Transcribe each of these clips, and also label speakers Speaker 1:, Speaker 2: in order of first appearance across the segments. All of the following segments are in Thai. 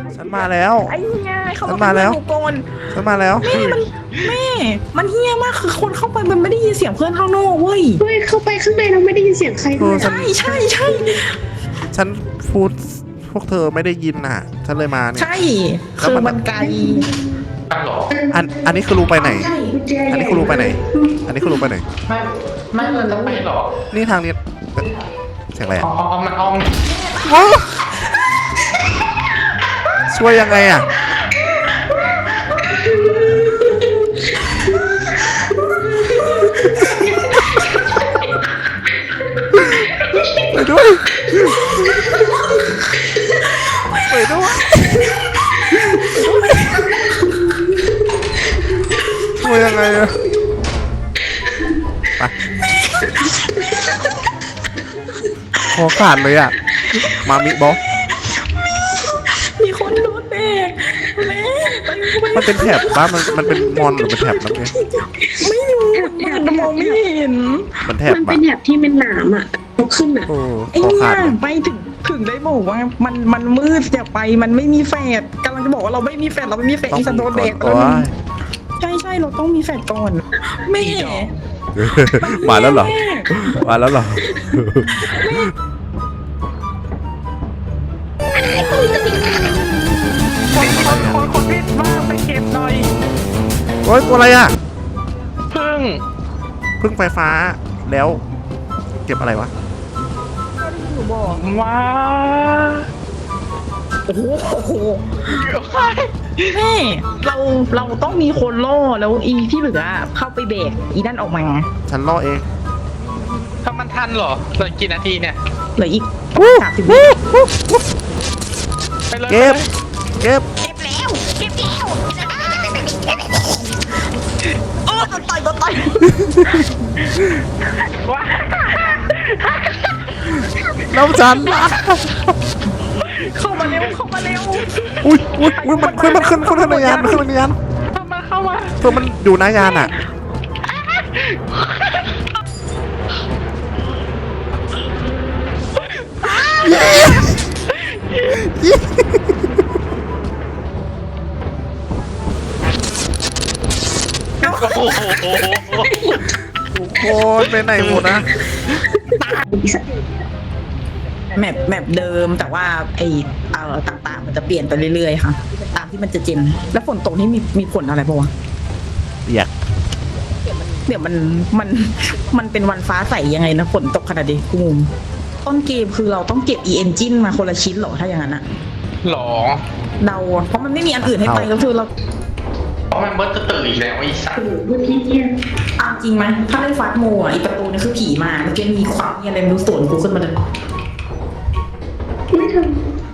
Speaker 1: ฉันมาแล้ว
Speaker 2: ไอ้เหี้ยเขา
Speaker 1: ฉันมาแล้ว
Speaker 2: โกน
Speaker 1: ฉันมาแล้ว
Speaker 2: แม่มันเหี้ยมากคือคนเข้าไปมันไม่ได้ยินเสียงเพื่อนข้างนอกเว้ย
Speaker 3: เฮ้ยเข้าไปข้างในเราไม่ได้ยินเสียงใครเลย
Speaker 1: ฉัน
Speaker 2: ใช่ใช่
Speaker 1: ฉันพูดพวกเธอไม่ได้ยินน่ะ ฉันเลยมาเนี่ย
Speaker 2: ใช่คือมันไกล
Speaker 1: อันนี้คือรูไปไหน
Speaker 3: กุญแจ
Speaker 1: อัน
Speaker 3: ให
Speaker 1: นี้
Speaker 3: ญ่
Speaker 1: คือรูไปไหน อันนี้คือรูไปไหน
Speaker 4: ไม่เราจะไปหรอ
Speaker 1: นี่ทางนี้เสียงอะไร
Speaker 4: อ๋
Speaker 1: อ่ะ
Speaker 4: อมันอ้อม
Speaker 1: ช่วยยังไงอ่ะไปด้วยไปด้วยช่วยยังไงอะไปคอขาดเลยอ่ะ มามิบอก
Speaker 2: มีคนโดนเด็กแม่ไป
Speaker 1: มันเป็นแถบบ้านมันเป็นมอนหรือเป็นแถบน้ำเงี้ย
Speaker 2: ไม่รู้มันมองไม่เห็น
Speaker 1: มันแถบ
Speaker 3: มัน
Speaker 1: ปะ
Speaker 3: เป็นแบบที่เป็นหนามอ่ะยกขึ้นอ่ะ
Speaker 1: โอ้
Speaker 2: ไอ้
Speaker 1: คอ
Speaker 2: เนี่
Speaker 1: ขาด
Speaker 2: ย
Speaker 1: เลย
Speaker 2: ไปถึงได้บอกว่ามันมืดอย่าไปมันไม่มีแฟดกำลังจะบอกว่าเราไม่มีแฟดเราไม่มีแฟดอีสันโดนเด็ก
Speaker 1: โอ้ย
Speaker 2: ใช่เราต้องมีแฟดก่อนแม่
Speaker 1: มาแล้วเหรอ มาแล้วเหรอ
Speaker 2: คนพิษมากไปเก็บหน่อย
Speaker 1: โอ้ยตัวอะไรอ่ะ
Speaker 4: พึ่ง
Speaker 1: พึ่งไฟฟ้าแล้ว เก็บอะไรวะ
Speaker 2: หนูบอก
Speaker 4: ว้า
Speaker 2: โอ้โหแม่เราต้องมีคนล่อแล้วอีที่เหลือเข้าไปเบรกอีนั่นออกมา
Speaker 1: ฉันล่อเอง
Speaker 4: ถ้ามันทันเหรอเหลือกี่นาทีเนี่ย
Speaker 2: เหลืออีก30 วิ
Speaker 4: ไปเลย
Speaker 1: เก็บ เก็บ
Speaker 2: เก็บแล้วโอ้โดนต่อย
Speaker 4: ว้า
Speaker 1: แล้วฉันล่ะ
Speaker 2: เข้ามาเร็ว
Speaker 1: อุ้ยมันขึ้นในยานมันขึ้นในยาน
Speaker 4: เข้ามา
Speaker 1: เพื่อมันอยู่หน้ายานอ่ะ
Speaker 4: โอ้โห
Speaker 1: ทุกคนไปไหนหมดนะ
Speaker 2: แมปเดิมแต่ว่าไอ้ต่างๆมันจะเปลี่ยนไปเรื่อยๆค่ะตามที่มันจะเจนแล้วฝนตกนี่มีผลอะไรปะวะ
Speaker 1: อยาก
Speaker 2: เดี๋ยวมันเป็นวันฟ้าใสยังไงนะฝนตกขนาดนี้กูงงต้นเกมคือเราต้องเก็บ engine มาคนละชิ้นเหรอถ้าอย่างนั้นอะ
Speaker 4: หรอ
Speaker 2: เดาเพราะมันไม่มีอันอื่นให้ไปก็คือเรา
Speaker 4: เพราะมันเบิร์ตจะตื่นอีกแล้วไอ้สัส
Speaker 3: พื้นที่เนี่ย
Speaker 2: เอาจริงไหมถ้าเล่นฟาสโมอ่ะอีประตูนี่คือผีมาเมื่อกี้มีความเงียอะไรไม่รู้สวนกูขึ้นมาเลย
Speaker 3: ไม่ทำ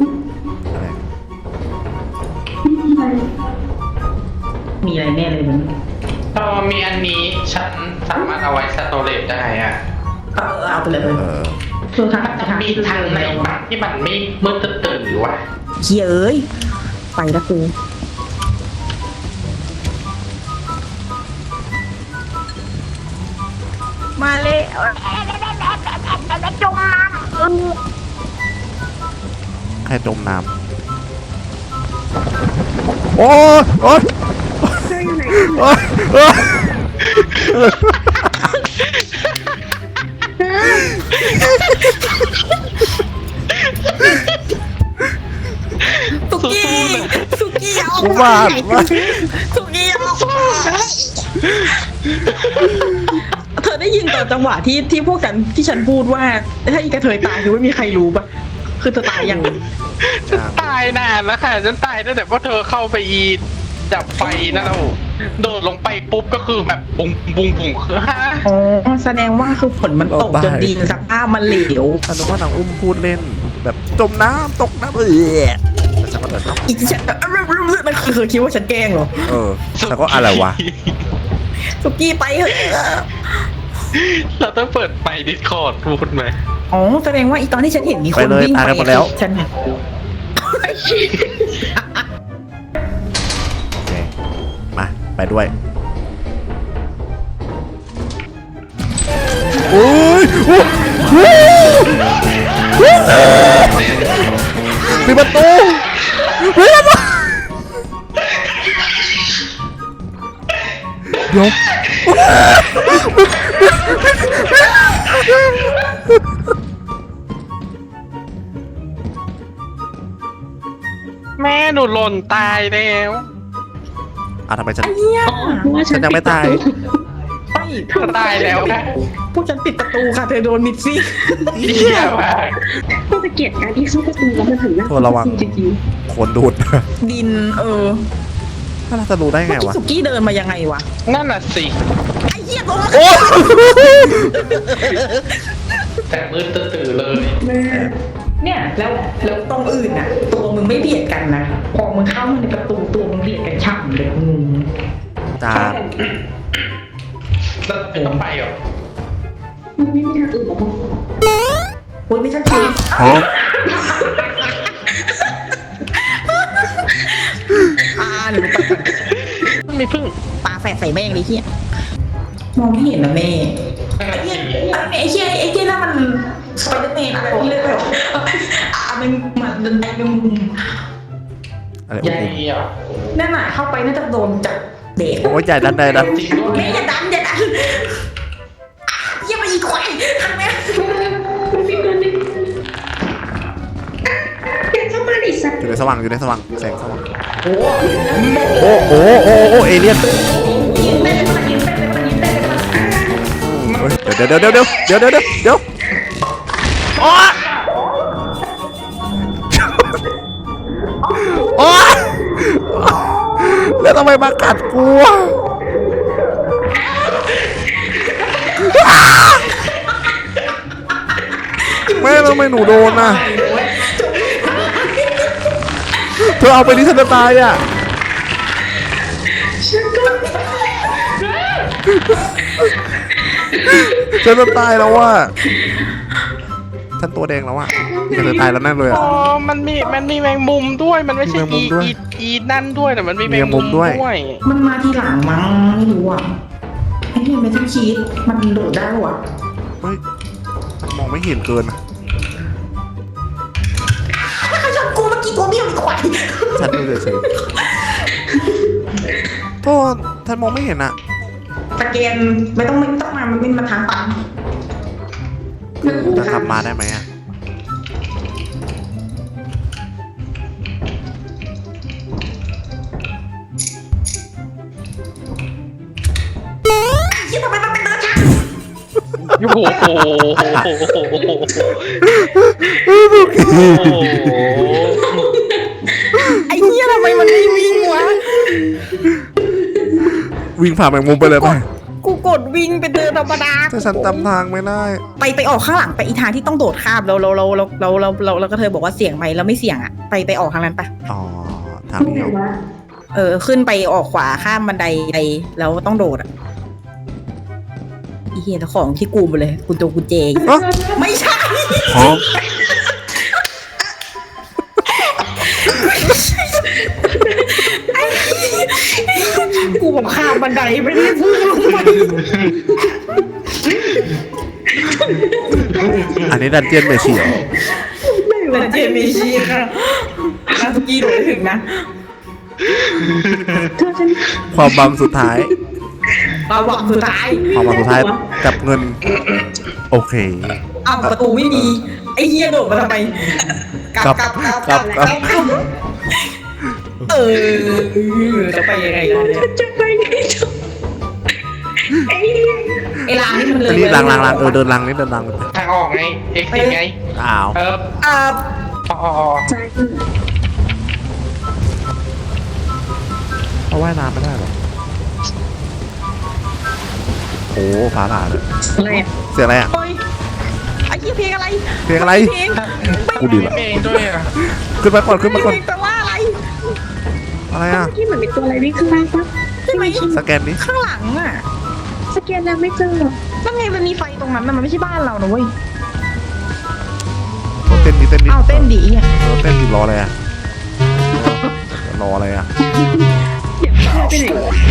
Speaker 3: ไม่มีอะไร
Speaker 2: มีอะไรแน่เลยมึง
Speaker 4: ถ้ามีอันนี้ฉันสามารถเอาไว้สโตเรจได้อะ
Speaker 2: เอาไปเลย คือทาง
Speaker 4: มันจะมีทางไหนบ้างที่มันไม่มืดจะตื่นหรือวะ
Speaker 2: เฮียเอ้ยไปละกูมาเลยจมน้ำ
Speaker 1: ใครจมน้ำโอ้ยโอ้ย
Speaker 3: เจออยู่ไหน
Speaker 1: โอ้ยโอ้ย
Speaker 2: สุกี้เอา
Speaker 1: กูว่า
Speaker 2: สุกี้เอาเธอได้ยินตอนจังหวะที่พวกกันที่ฉันพูดว่าถ้าอีกระเทยตายคือไม่มีใครรู้ปะคือเธอตายยัง
Speaker 4: ฉันตายนานแล้วค่ะฉันตายตั้งแต่ว่าเธอเข้าไปอีดับไฟนั่นแล้วโดดลงไปปุ๊บก็คือแบบบุ้งบุ้งบุ้งคือฮะ
Speaker 2: อ๋อแสดงว่าคือฝนมันตกจนดินสภาพมันเหลว
Speaker 1: ฉันนึกว่านางอุ้มพูดเล่น แบบจมน้ำตกน้ำแต่ฉันก็เดินเข้า
Speaker 2: อีกฉันมันคือคิดว่าฉันแกล้งเหรอ
Speaker 1: ฉันก็อะไรวะ
Speaker 2: สุกี้ไปเถอะ
Speaker 4: เราต้องเปิดไฟดิสคอร์ดพูดไหม
Speaker 2: อ๋อแสดงว่าอีตอนที่ฉันเห็นมีคนวิ่งไปฉัน
Speaker 1: โอเค มา ไปด้วยโอ้ยปิดประตูปิดประตูเดี๋ยว
Speaker 4: แม่หนูหล่นตายแล้ว
Speaker 1: ทำไมฉัน
Speaker 2: ไอ้เหี้ย
Speaker 3: อ๋อเพราะว่า
Speaker 1: ฉันยังไม่ตาย
Speaker 2: ไม่
Speaker 4: ก็ตายแล้วค่ะ
Speaker 2: พวกฉันปิดประตูค่ะเธอโดนมิดซี่
Speaker 4: เหี้ยมาก
Speaker 3: ก็จะเกลียดการที่เข้าประตูแล้วมันหันหน้า
Speaker 1: โทษระวัง
Speaker 3: จริง
Speaker 1: คนดูด
Speaker 2: ดิน
Speaker 1: ถ้าเราจะรู้ได้ไง
Speaker 2: เมื่อกี้
Speaker 1: วะ
Speaker 2: สุกี้เดินมายังไงวะ
Speaker 4: นั่นน่ะสิ
Speaker 2: ไอ้เหี้ยโดนมา
Speaker 1: โอ้
Speaker 4: แต่มืดตื่นเลย
Speaker 3: ๆแม่
Speaker 2: เนี่ยแล้วตรงอื่นน่ะ ตัวมึงไม่เบียดกันนะพอมึงเข้ามาในประตูตัวมึงเบียดกันฉ่ำเลยมึง
Speaker 1: จาน
Speaker 4: แล้วไม่ต้องไปเหรอ
Speaker 3: มันไม่มีทางอื่นหรอกมั้ง
Speaker 2: โอ้ยไม่ใช่ชีวิต
Speaker 1: ฮะ
Speaker 2: หรือไปก่อน
Speaker 4: มันมีพึ่ง
Speaker 2: ปลาแฝดใส่แม่งเลยเฮียมองไม่เห็นนะแม่ไอ้เฮียไอ้เฮียนั่นมันสไปเดอร์แมนอะไรที่เลยเหรอมันไอ้มึง
Speaker 1: อะไร
Speaker 4: ใหญ่อ่ะ
Speaker 2: นั่นน่ะเข้าไปน่าจะโดนจับเด็ก
Speaker 1: โอ้ยใหญ่ดันใดดัน
Speaker 4: จริงด้วย
Speaker 2: แม่อย่าดันเฮียมาอีกควายทางแม่
Speaker 3: มันมีตัวนึงเดินเข้ามาดิสัตว์
Speaker 1: อยู่ในสว่างอยู่ในสว่างแสงสว่าง
Speaker 2: โอ้
Speaker 1: โอ้โอ้โอ้โอ้เอเลี่ยน
Speaker 2: ยิงเต้นมันยิงเต้นมันยิงเต้นมัน
Speaker 1: เฮ้ยเดี๋ยวโอ้โอ้แล้วทำไมมากัดกูอะแม่ทำไมหนูโดนน่ะเธอเอาไปดิฉันจะตายอ่ะฉันจะตายแล้วว่ะฉันตัวแดงแล้วอ่ะฉันจะตายแล้วแน่เลยอ่ะ
Speaker 4: อ๋อมันมีแมงมุมด้วย มันไม่ใช่
Speaker 1: มีแมงมุมด้วย
Speaker 4: อีนั่นด้วยแต่มันมีแมง
Speaker 1: มีแมงมุ
Speaker 4: มุ
Speaker 1: ม
Speaker 4: ม
Speaker 1: ด้
Speaker 4: ด้
Speaker 1: ว
Speaker 4: วย ย
Speaker 2: มันมาทีหลังมั้งไม่รู้อ่ะไอ้เนี่ยไม่ต้องคิดมันโดดได้หรอ
Speaker 1: เฮ้ยมันมองไม่เห็นเกินอะ
Speaker 2: ใครชอบกูเมื่อกี้ตัวเบี้ยวอีกควาย
Speaker 1: ฉันดูเฉยๆโทษฉันมองไม่เห็นอ่ะ
Speaker 2: สแกนไม่ต้องมามันเป็นมาทางปัน
Speaker 1: จะขับมาได้ไหมอ่ะ
Speaker 2: คิดทำไมมันเป็นเดินช้า
Speaker 4: โอ้โห
Speaker 2: ไอ้เหี้ยทำไมมันไม่วิ่งวะ
Speaker 1: วิ่งผ่านแมงมุมไปเลยไป
Speaker 2: กูกดวิ่งไปเดินธรรมดา
Speaker 1: ถ้าฉันจำทางไม่ได้
Speaker 2: ไปออกข้างหลังไปอีทางที่ต้องโดดข้ามเราก็เธอบอกว่าเสี่ยงไหมเราไม่เสี่ยงอ่ะไปออกทางนั้นปะ
Speaker 1: อ๋อทาง
Speaker 3: ตรง
Speaker 1: นี้
Speaker 3: ไหน
Speaker 1: เหรอ
Speaker 3: วะ
Speaker 2: ขึ้นไปออกขวาข้ามบันไดไปแล้วต้องโดดอ่ะอีเหี้ยแล้วของที่กูหมดเลยกุญแจกุญแจ
Speaker 1: ฮะ
Speaker 2: ไม่ใช่
Speaker 1: ฮะ
Speaker 2: กูบอกข้ามบันไดไม่ได้พูดลงไป
Speaker 1: อันนี้ดันเจียนเมเชีย
Speaker 2: แต่เจมีชีค่ะนาทุกี้โดดถึงนะ
Speaker 3: เธอฉัน
Speaker 1: ความบังสุดท้าย
Speaker 2: เราหวังสุดท้าย
Speaker 1: ความบังสุดท้ายกับเงิน โอเค
Speaker 2: เอาประตูไม่มีไอ้เหี้ยโดดมาทำไมกลับ จะไปยังไงล่ะเนี่ย
Speaker 3: จะไปไหนต่อไอ้เหี้ย
Speaker 2: ไอ้รางนี่มันเลย
Speaker 1: อันนี้ลังเดินลังนี่เดินลัง
Speaker 4: ทางออกไง เอ็กซ์ไง
Speaker 1: อ้าว
Speaker 2: อ่า
Speaker 4: อ๋อ
Speaker 3: ใจคือ
Speaker 1: เขาว่ายน้ำไม่ได้หรอโอ้ฟ้าผ่าเลย
Speaker 3: อะไรอ่ะ
Speaker 1: เสียงอะไรอ่ะ
Speaker 2: โอ้ยไอ้เหี้ยเพลงอะไร
Speaker 1: เพลงอะไร
Speaker 2: เพลง
Speaker 1: กูดีละ
Speaker 4: เองด้วยอ่ะ
Speaker 1: ขึ้นมาก่อนขึ้นมาก่อน
Speaker 2: เพลงแปลว่าอะไร
Speaker 1: อะไรอ่ะ
Speaker 3: เมื่อกี้เหมือนมีตัวอะไรวิ่งข้างล่างปะ
Speaker 2: ใช่ไหม
Speaker 1: สแกนดิ
Speaker 2: ข้างหลังอ่ะ
Speaker 3: สแกนแล้วไม่เจอหรอ
Speaker 2: แล้วไงมันมีไฟตรงนั้นน่ะมันไม่ใช่บ้านเรานะเว้ย
Speaker 1: เต้นดิ
Speaker 2: อ้าวเต้นดีอ่ะ
Speaker 1: เต้นดิรออะไรอ่ะรออะไรอ่ะ
Speaker 3: เดี๋ยวเธอไปไหน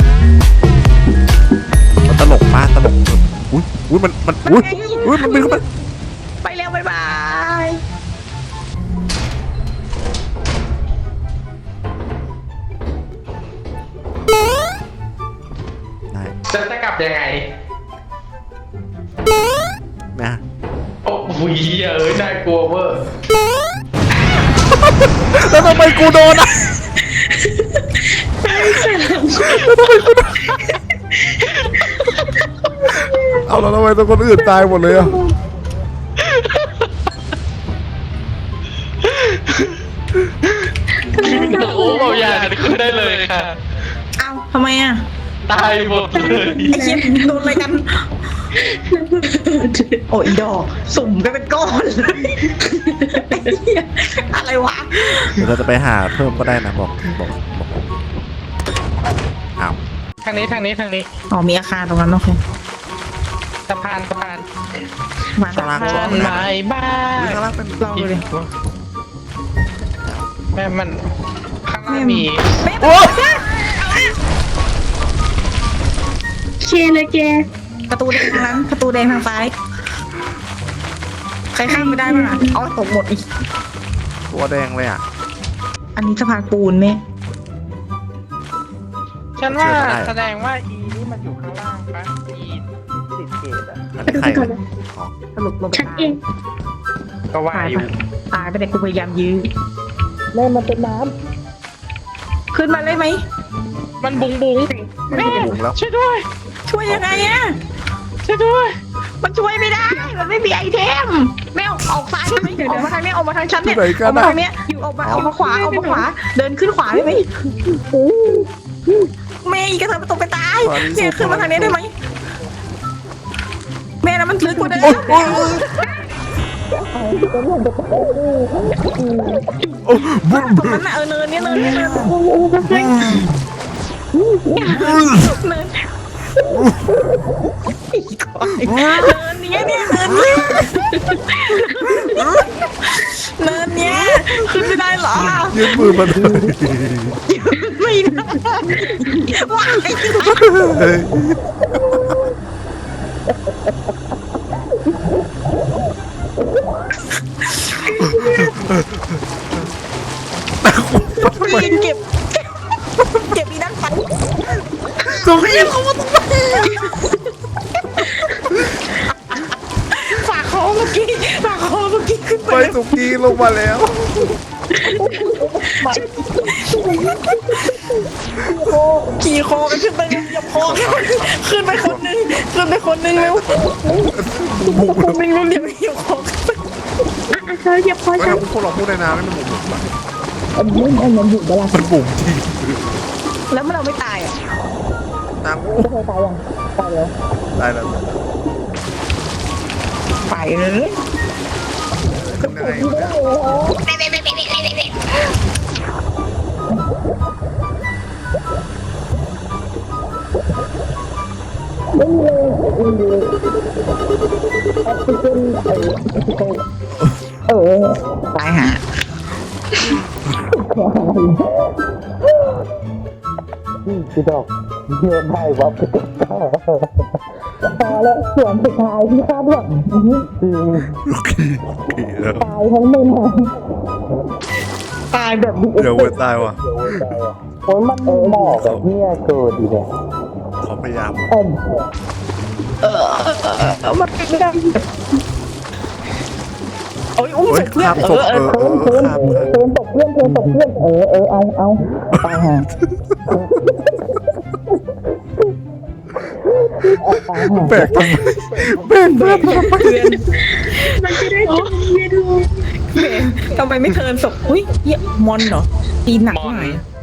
Speaker 1: มันตลกมากตลกอุ้ยมันอุ้ยมันบินเข้าไป
Speaker 2: ไปแล้วบ๊ายบาย
Speaker 1: ได้
Speaker 4: แต่ฉันจะกลับยังไง
Speaker 1: นะ
Speaker 4: โอ้โหน่ากลัวเวอร์
Speaker 1: แล้วทำไมกูโดนอ่ะเอาแล้วทำไมตัวคนอื่นตายหมดเลยอ่ะ
Speaker 4: โอ้เอาอย่าขึ้นได้เลยค่ะ
Speaker 2: เอ้าทำไมอ่ะ
Speaker 4: ตายหมดเลย
Speaker 2: ไอ้เหี้ยโดนอะไรกัน โอ้ยดอกสุ่มกันเป็นก้อนเลยไอ้เหี้ยอะไรวะ
Speaker 1: เดี๋ยวเราจะไปหาเพิ่มก็ได้นะบอกอ้าว
Speaker 4: ทางนี้
Speaker 2: อ๋อมีอาคารตรงนั้นโอเค
Speaker 4: สะพาน
Speaker 2: มา
Speaker 1: ตาราง
Speaker 4: สะ
Speaker 1: ช่ว
Speaker 4: พาง น
Speaker 1: นะ
Speaker 4: ไม้บ้า
Speaker 1: ข้างล่างเป็น
Speaker 2: ลองดูดิ
Speaker 4: แม่มันข้างล่างมี
Speaker 1: โอ้
Speaker 3: เคเลยแก
Speaker 2: ประตูแดงทางนั้นประตูแดงทางซ้าย ใครข้ามไม่ได้บ้างอ่ะอ๋อตกหมดอีก
Speaker 1: ตัวแดงเลยอ่ะ
Speaker 2: อันนี้สะพานปูนไหม
Speaker 4: ฉันว่า
Speaker 1: เชื่อไม่ได้
Speaker 4: แสดงว่าอีนี่มันอยู่ข้างล่างปะอีติดเกตอะ
Speaker 1: อันนี้ใครกันอ๋อ
Speaker 2: สรุปลงไป
Speaker 3: ฉันเอง
Speaker 4: ก็ว่าอยู่
Speaker 2: ตายไปแต่กูพยายามยื้อ
Speaker 3: แม่มันเป็นน้
Speaker 2: ขึ้นมาเลยไหม
Speaker 4: มันบุงแม่
Speaker 1: บุ๋มแล้ว
Speaker 4: ช่วยด้วย
Speaker 2: ช่วยยังไงอะ
Speaker 4: ช่วยด้วย
Speaker 2: มันช่วยไม่ได้ มันไม่มีไอเทมแม่ออกซ้ายได้ไหมออกมาทางเนี้ยออกมาทางฉันเนี่ยออกมาทางเนี้ยอยู่ออกมาขวาเดินขึ้นขวาได้ไหมแม่อีกกระเทยประตูไปตายเนี่ยขึ้นมาทางนี้ได้ไหมแม่นะมันลึกกว่าเดิม
Speaker 1: โอ้บุ้ม
Speaker 2: ตรงนั้นน่ะเนินเนี่ยเนินเนินเนินอีกก่อนเนินเนี้ยเนี่ยเนินเนี้ยเนินเนี้ยขึ้นไม่ได้เหรอ
Speaker 1: ยืนมือมาเลย
Speaker 2: ไม่ได้ว้าย
Speaker 1: เฮ้ย
Speaker 2: ปีนเก็บอีนั่นไป
Speaker 1: ตรงนี้เขามาตรงนี้
Speaker 2: ฝากคอเมื่อกี้ขึ้นไป
Speaker 1: ไปสุกี้ลงมาแล้ว
Speaker 2: ขี่คอกันขึ้นไปอย่าพอขึ้นไปคนนึงเร็วคนนึงเร็วอย่าคอ
Speaker 3: ำเธอเหยียบคอ
Speaker 1: ไม่
Speaker 3: ฉัน
Speaker 1: ทำพวกเราพูดในน้ำไม่มันบุ๋ม
Speaker 3: อันนั้นอยู่เวลา
Speaker 1: มันบุ๋มจริง
Speaker 2: แล้วมันเราไม่ตายอ่ะ
Speaker 1: น้ำ
Speaker 3: เธอตายยังตายแล้ว
Speaker 1: ตายแล้ว
Speaker 2: ไปเลย
Speaker 1: ขึ้นยังไงวะเนี่ย
Speaker 2: ตายหา
Speaker 3: พี่ดอกเยอะได้วับพอแล้วส่วนสุดท้ายที่คาดหวังจริง
Speaker 1: โอเคแล้ว
Speaker 3: ตายทั้งไม่นาน
Speaker 2: ตายแบบดี
Speaker 1: เดี๋ยวไปตายว่ะ
Speaker 3: โอ้ยมันเหมาะกับเนี่ยเกิดดีเลย
Speaker 1: เขาพยายาม
Speaker 2: มันไม่ได้โอ้ยอุ้ม
Speaker 1: เฮ้
Speaker 2: ศ
Speaker 1: ย
Speaker 2: พเพื่อ
Speaker 1: ข้าน มศพข้าม
Speaker 3: เธอตกเพื่อนเอาตายห่า
Speaker 1: แบกทำไมแบกเพื่อนทำไม
Speaker 3: มันจะได้เป็นเย็นลง
Speaker 2: ทำไมไม่เทิร์นศพอุ้ยเหี้ยมอนเหรอตีหนักหน่อย